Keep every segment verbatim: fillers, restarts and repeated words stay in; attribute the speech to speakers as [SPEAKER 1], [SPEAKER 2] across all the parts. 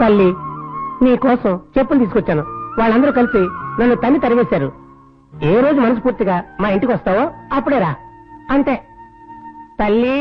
[SPEAKER 1] తల్లి, నీ కోసం చెప్పులు తీసుకొచ్చాను. వాళ్ళందరూ కలిసి నన్ను తన్ని తరివేశారు. ఏ రోజు మనస్ఫూర్తిగా మా ఇంటికి వస్తావో అప్పుడే రా. అంతే తల్లి.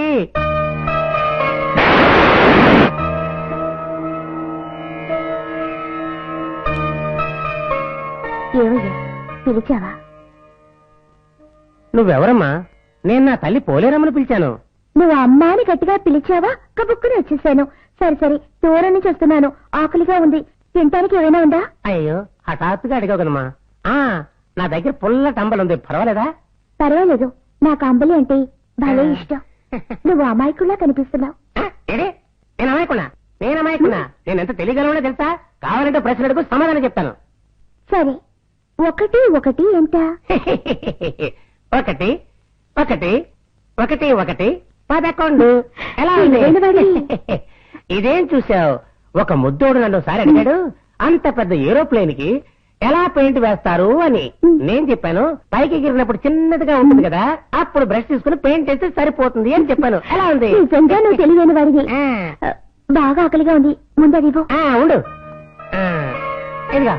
[SPEAKER 2] ఏమయ్యా పిలిచావా?
[SPEAKER 1] నువ్వెవరమ్మా? నేను నా తల్లి పోలేరమ్మను పిలిచాను.
[SPEAKER 2] నువ్వు అమ్మాని గట్టిగా పిలిచావా? కబుక్కుని వచ్చేసాను. సరే సరే, దూరం నుంచి వస్తున్నాను, ఆకలిగా ఉంది, తినటానికి ఏమైనా ఉందా?
[SPEAKER 1] అయ్యో, హఠాత్తుగా అడిగావు కదమ్మా. ఆ నా దగ్గర పుల్ల టంబలు ఉంది, పర్వాలేదా?
[SPEAKER 2] పర్వాలేదు, నాకు అంబలి అంటే భలే ఇష్టం. నువ్వు అమాయకుల్లా కనిపిస్తున్నావు.
[SPEAKER 1] నేను అమాయకున్నా? నేను అమాయకున్నా? నేను ఎంత తెలియగలవో తెలుసా? కావాలంటే ప్రశ్నలకు సమాధానం చెప్తాను.
[SPEAKER 2] సరే, ఒకటి ఒకటి ఎంత?
[SPEAKER 1] ఒకటి ఒకటి ఒకటి ఒకటి పదకొండు. ఎలా ఉంది? ఇదేం చూసావు? ఒక ముద్దోడు నన్ను ఒకసారి అడిగాడు, అంత పెద్ద ఏరోప్లేన్ కి ఎలా పెయింట్ వేస్తారు అని. నేను చెప్పాను, పైకి ఎగిరినప్పుడు చిన్నదిగా ఉంటుంది కదా, అప్పుడు బ్రష్ తీసుకుని పెయింట్ వేస్తే సరిపోతుంది అని చెప్పాను. ఎలా ఉంది?
[SPEAKER 2] నిజంగా నువ్వు తెలియని వాడివి. బాగా ఆకలిగా ఉంది, ముందది
[SPEAKER 1] ఉండు. ఇదిగా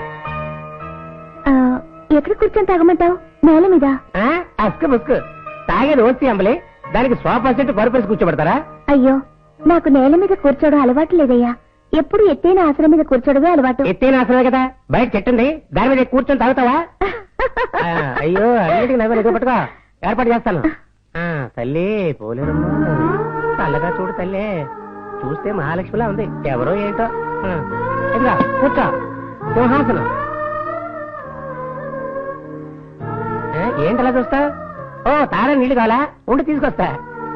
[SPEAKER 2] ఎక్కడ కూర్చొని తాగమంటావు? నేల మీద?
[SPEAKER 1] అస్కు బుస్కు తాగేది ఓసి అంబలే, దానికి సోఫా సెట్ పరుపేసి కూర్చోబెడతారా?
[SPEAKER 2] అయ్యో, నాకు నేల మీద కూర్చోవడం అలవాటు లేదయ్యా. ఎప్పుడు ఎత్తైన ఆసనం మీద కూర్చోడమే అలవాటు.
[SPEAKER 1] ఎత్తైన ఆసనమే కదా, బయట చెట్టుంది, దాని మీద కూర్చొని తాగుతావా? అయ్యో, అన్నిటికీ నవ్వు ఎదురు పట్టుకో, ఏర్పాటు చేస్తాను. తల్లి పోలేరమ్మా, చల్లగా చూడు తల్లి, చూస్తే మహాలక్ష్మిలా ఉంది, ఎవరో ఏంటో. ఇదిగా కూర్చో, సింహాసనం. ఏంటలా చూస్తా? ఓ తారా నీళ్లు కావాలా? ఉండి తీసుకొస్తా.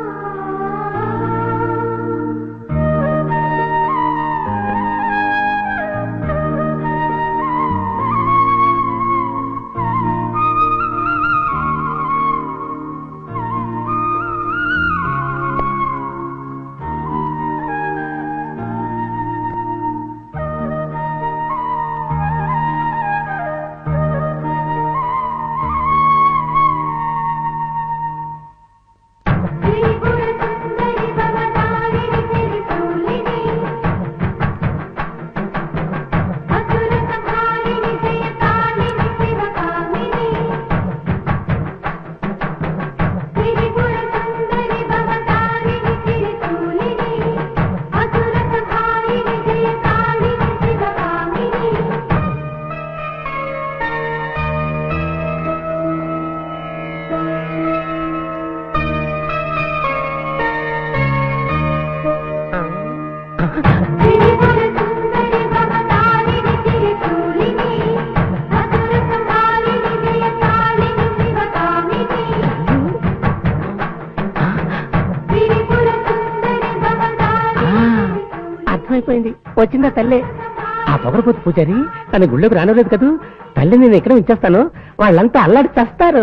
[SPEAKER 1] అర్థమైపోయింది, వచ్చిందా తల్లి? ఆ పొగరపోతు పూజారి తన గుళ్ళోకి రానలేదు కదూ. తల్లి నేను ఎక్కడ ఇచ్చేస్తాను, వాళ్ళంతా అల్లాడి చేస్తారు.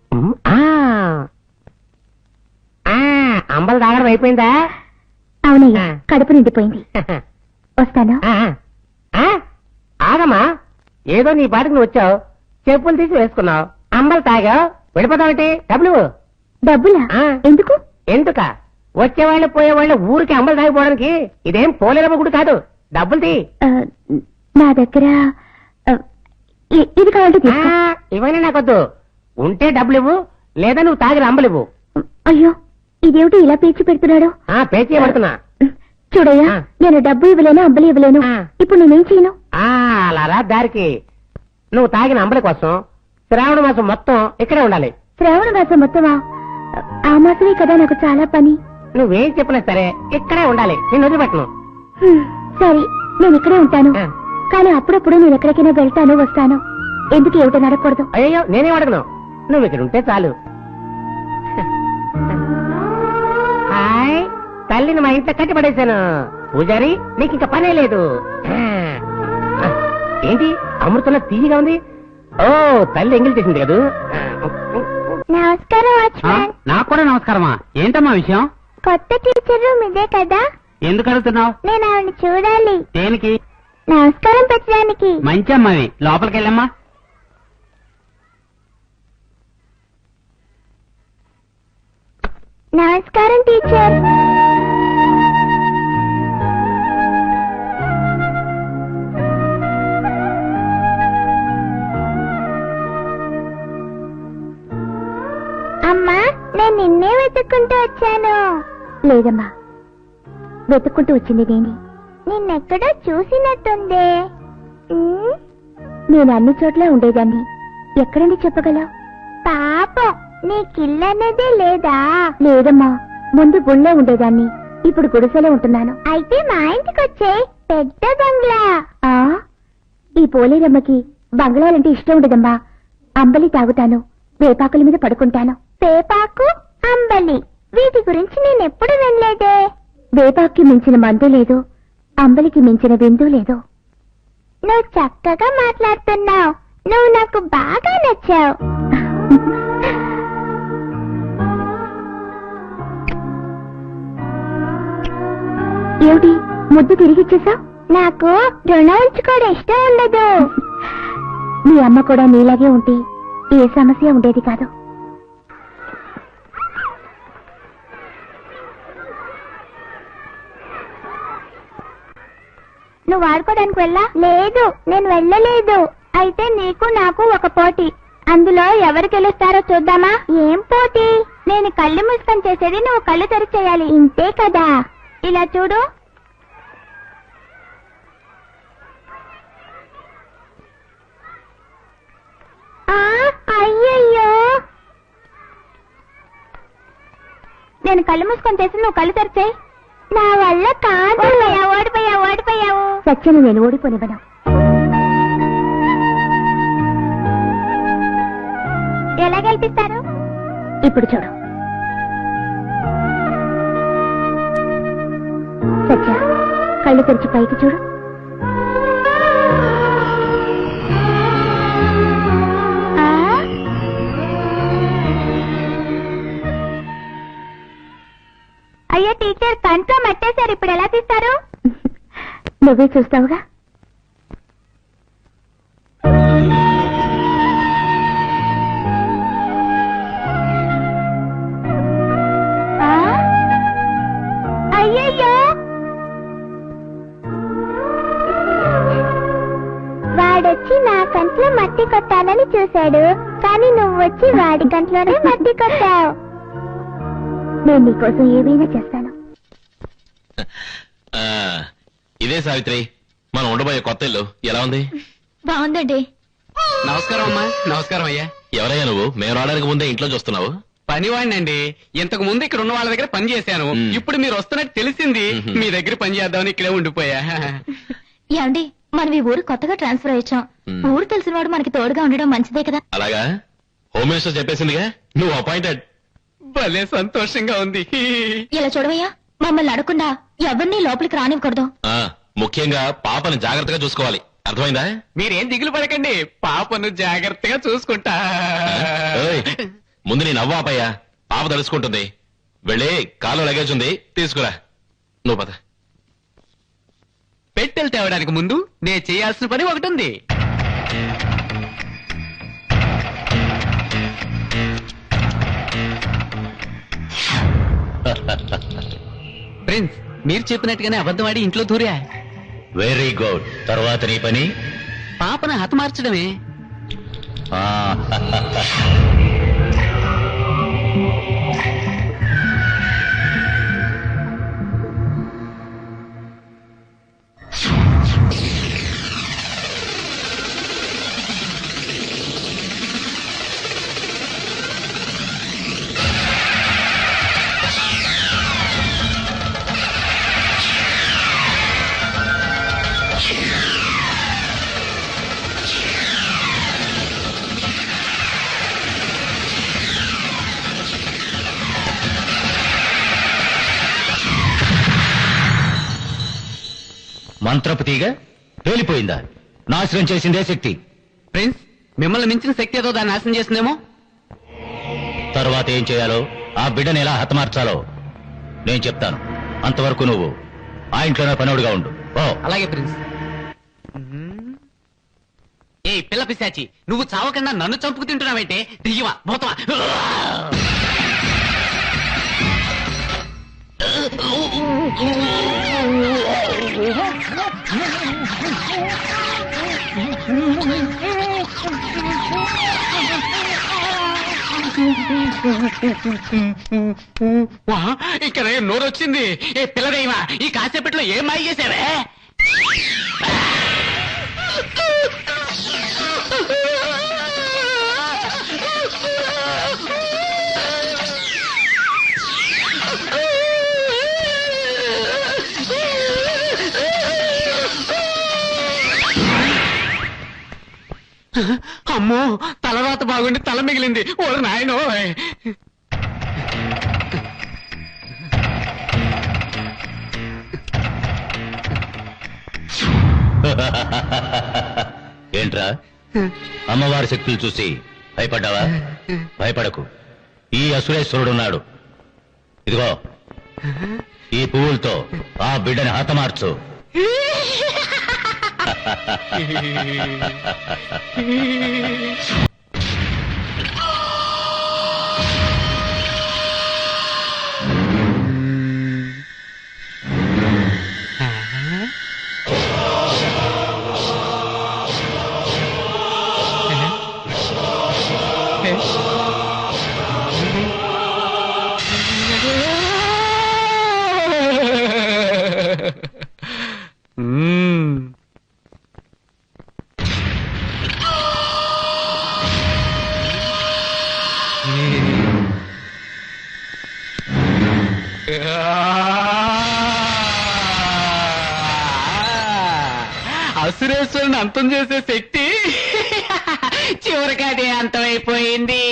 [SPEAKER 1] అంబలు తాగడం అయిపోయిందా?
[SPEAKER 2] అవునయ్యా, కడుపు నిండిపోయింది. వస్తాను.
[SPEAKER 1] ఆగమ్మా, ఏదో నీ పాటికి నువ్వు వచ్చావు, చెప్పులు తీసి వేసుకున్నావు, అంబలు తాగావు, వెళ్ళిపోతావుంటి. డబ్బులు?
[SPEAKER 2] డబ్బులా? ఎందుకు?
[SPEAKER 1] ఎందుక? వచ్చేవాళ్ళు పోయేవాళ్ళు ఊరికి అంబలు తాగిపోవడానికి ఇదేం పోలేరమ్మ గుడి కాదు. డబ్బులు తీ.
[SPEAKER 2] నా దగ్గర ఇది కావాలి.
[SPEAKER 1] ఇవన్నీ నాకొద్దు. ఉంటే డబ్బులు ఇవ్వు, లేదా నువ్వు తాగిన అంబలు ఇవ్వు.
[SPEAKER 2] అయ్యో, ఇదేమిటి ఇలా పేచి పెడుతున్నాడు?
[SPEAKER 1] పేచి పడుతున్నా.
[SPEAKER 2] చూడయ్యా, నేను డబ్బు ఇవ్వలేను, అంబలి ఇవ్వలేను. ఇప్పుడు నేనేం చేయను?
[SPEAKER 1] అలా దారికి నువ్వు తాగిన అంబలి కోసం శ్రావణ మాసం మొత్తం ఇక్కడే ఉండాలి.
[SPEAKER 2] శ్రావణ మాసం మొత్తమా? ఆ మాసమే కదా నాకు చాలా పని.
[SPEAKER 1] నువ్వేం చెప్పినా సరే ఇక్కడే ఉండాలి, నేను వదిలిపెట్టను.
[SPEAKER 2] సరే, నేను ఇక్కడే ఉంటాను, కానీ అప్పుడప్పుడు నేను ఎక్కడికైనా వెళ్తాను వస్తాను. ఎందుకు ఏమిటో నడకూడదు?
[SPEAKER 1] అయ్యో, నేనేం అడగను, నువ్వు ఇక్కడ ఉంటే చాలు. హాయ్, తల్లిని మా ఇంట్లో కట్టి పడేశాను. పూజారి, నీకు ఇంకా పనే లేదు. ఏంటి అమృతంలో తీయగా ఉంది? ఓ, తల్లి ఎంగిల్ చేసింది కదా.
[SPEAKER 2] నమస్కారం.
[SPEAKER 3] నాకు కూడా నమస్కారమా. ఏంటమ్మా విషయం?
[SPEAKER 2] కొత్త టీచర్ మీదే కదా.
[SPEAKER 3] ఎందుకు అడుగుతున్నావు?
[SPEAKER 2] నేను ఆవిడ చూడాలి.
[SPEAKER 3] దేనికి?
[SPEAKER 2] నమస్కారం పెట్టడానికి.
[SPEAKER 3] మంచి అమ్మాయి, లోపలికి వెళ్ళమ్మా.
[SPEAKER 2] నమస్కారం టీచర్. నేను నిన్నే వెతుక్కుంటూ వచ్చాను. లేదమ్మా, వెతుక్కుంటూ వచ్చింది నేనే. నిన్నెక్కడో చూసినట్టుందే. ఉమ్, నేను అన్ని చోట్ల ఉండేదాన్ని. ఎక్కడని చెప్పగలవు? పాపం, నీకిల్లనేదే లేదా? లేదమ్మా, ముందు గుళ్ళో ఉండేదాన్ని, ఇప్పుడు గుడిసెలో ఉంటున్నాను. అయితే మా ఇంటికి వచ్చే పెద్ద బంగ్లా. ఆ ఈ పోలేరమ్మకి బంగ్లాలంటే ఇష్టం ఉండదమ్మా. అంబలి తాగుతాను, వేపాకుల మీద పడుకుంటాను. వేపాకు, అంబలి, వీటి గురించి నేనెప్పుడు వినలేదే. వేపాకుకి మించిన మందు లేదు, అంబలికి మించిన విందు లేదు. నువ్వు చక్కగా మాట్లాడుతున్నావు. నువ్వు నాకు బాగా నచ్చావు. ఏమిటి ముద్దు తిరిగిచ్చేసా? నాకు రుణం ఉంచుకోవడం ఇష్టం ఉండదు. మీ అమ్మ కూడా నీలాగే ఉంటే ఏ సమస్య ఉండేది కాదు. నువ్వు ఆడుకోవడానికి వెళ్ళా? లేదు, నేను వెళ్ళలేదు. అయితే నీకు నాకు ఒక పోటీ. అందులో ఎవరు గెలుస్తారో చూద్దామా? ఏం పోటీ? నేను కళ్ళు మూసుకొని చేసేది నువ్వు కళ్ళు తెరిచి చేయాలి. ఇంతే కదా. ఇలా చూడు. ఆ, అయ్యయ్యో, నేను కళ్ళు మూసుకొని చేసి నువ్వు కళ్ళు తెరిచేయి. నా వల్ల కాదు. ఓడిపోయావు ఓడిపోయావు. సత్యను నేను ఓడిపోనివ్వను. ఎలా గెలిపిస్తారు? ఇప్పుడు చూడు. సత్య, కళ్ళు తెరిచి పైకి చూడు. అయ్యో టీచర్, కంట్లో మట్టేశారు. ఇప్పుడు ఎలా తీస్తారు? నువ్వే చూస్తావుగా. అయ్యయ్యో, వాడొచ్చి నా కంట్లో మట్టి కొట్టాలని చూశాడు, కానీ నువ్వు వచ్చి వాడి కంట్లోనే మట్టి కొట్టావు. నేను నీకోసం ఏమైనా చేస్తాను.
[SPEAKER 4] ఇదే సావిత్రి, మనం ఉండబోయే కొత్త ఇల్లు ఎలా ఉంది?
[SPEAKER 2] బాగుందండి.
[SPEAKER 3] నమస్కారం అమ్మా. నమస్కారం అయ్యా.
[SPEAKER 4] ఎవరయ్యా నువ్వు? మేము రావడానికి ముందే ఇంట్లో చూస్తున్నావు?
[SPEAKER 3] పనివాడినండి. ఇంతకు ముందు ఇక్కడ ఉన్న వాళ్ళ దగ్గర పని చేశాను.
[SPEAKER 4] మ్.
[SPEAKER 3] ఇప్పుడు మీరు వస్తున్నట్టు తెలిసింది.
[SPEAKER 4] మ్హూ.
[SPEAKER 3] మీ దగ్గర పని చేద్దామని ఇక్కడే ఉండిపోయా.
[SPEAKER 2] ఏమండి, మనం ఈ ఊరు కొత్తగా ట్రాన్స్ఫర్ అయ్యాం.
[SPEAKER 4] మ్.
[SPEAKER 2] ఊరు తెలిసిన వాడు మనకి తోడుగా ఉండడం మంచిదే కదా.
[SPEAKER 4] అలాగా? హోమ్ మినిస్టర్ చెప్పేసిందిగా నువ్వు అపాయింటెడ్.
[SPEAKER 3] భలే సంతోషంగా ఉంది.
[SPEAKER 2] ఇలా చూడవయ్యా, మమ్మల్ని అడగకుండా ఎవరిని లోపలికి రానివ్వకూడదు.
[SPEAKER 4] ఆ, ముఖ్యంగా పాపని జాగ్రత్తగా చూసుకోవాలి. అర్థమైందా?
[SPEAKER 3] మీరేం దిగులు పడకండి, పాపను జాగ్రత్తగా చూసుకుంటా.
[SPEAKER 4] ఏయ్, ముందు నీ నవ్వు ఆపయ్యా. పాప తలుసుకుంటుంది. వెళ్ళి కాలు లగేజ్ ఉంది, తీసుకురా. నువ్వు పద.
[SPEAKER 3] పెట్టెలు తేవడానికి ముందు నేను చేయాల్సిన పని ఒకటి ఉంది. ప్రిన్స్, మీరు చెప్పినట్టుగానే అబద్ధమాడి ఇంట్లో దూరా.
[SPEAKER 4] Very good. తర్వాత నీ పని
[SPEAKER 3] పాపను హతమార్చడమే.
[SPEAKER 4] మంత్రపు తీగ పేలిపోయిందా? నాశనం చేసిందే శక్తి.
[SPEAKER 3] ప్రిన్స్, మిమ్మల్ని మించిన శక్తి ఏదో దాన్ని నాశనం చేసిందేమో.
[SPEAKER 4] తర్వాత ఏం చేయాలో, ఆ బిడ్డని ఎలా హతమార్చాలో నేను చెప్తాను. అంతవరకు నువ్వు ఆ ఇంట్లోనే పనివాడుగా ఉండు. ఓ
[SPEAKER 3] అలాగే ప్రిన్స్. ఏ పిల్ల పిశాచి, నువ్వు చావకుండా నన్ను చంపుకు తింటున్నావంటే దియ్యమా పోతావా? వా, ఇక్కడ నోరు వచ్చింది. ఏ పిల్లదేమా, ఈ కాసేపట్లో ఏం మాయ చేసావే? అమ్మో, తలరాత బాగుండి తల మిగిలింది. ఓ నాయనో.
[SPEAKER 4] ఏంట్రా, అమ్మవారి శక్తులు చూసి భయపడ్డావా? భయపడకు, ఈ అసురేశ్వరుడున్నాడు. ఇదిగో, ఈ పువ్వులతో ఆ బిడ్డని హతమార్చు.
[SPEAKER 3] అసురేశ్వరుని అంతం చేసే శక్తి చివరికి అదే అంతమైపోయింది.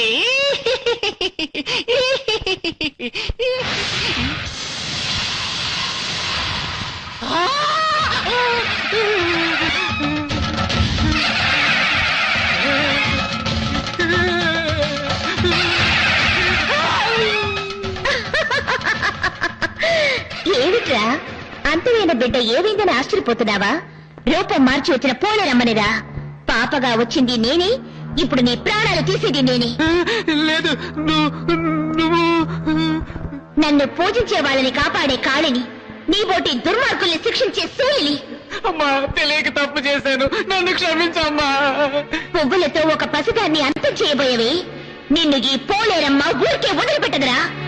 [SPEAKER 2] ఏమిట్రా, అంతమైన బిడ్డ ఏమైందని ఆశ్చర్యపోతున్నావా? రూపం మార్చి వచ్చిన పోలేరమ్మనిరా. పాపగా వచ్చింది నేనే, ఇప్పుడు నీ ప్రాణాలు తీసేది నేనే.
[SPEAKER 3] లేదు, నువ్వు
[SPEAKER 2] నన్ను పూజించే వాళ్ళని కాపాడే కాళిని, నీ బోటి దుర్మార్గుల్ని శిక్షించే శూలిని.
[SPEAKER 3] అమ్మా, తెలియక తప్పు చేశాను, నన్ను క్షమించమ్మా.
[SPEAKER 2] పువ్వులతో ఒక పసిదాన్ని అంతం చేయబోయేవి. నిన్ను ఈ పోలేరమ్మ ఊరికే వదిలిపెట్టదురా.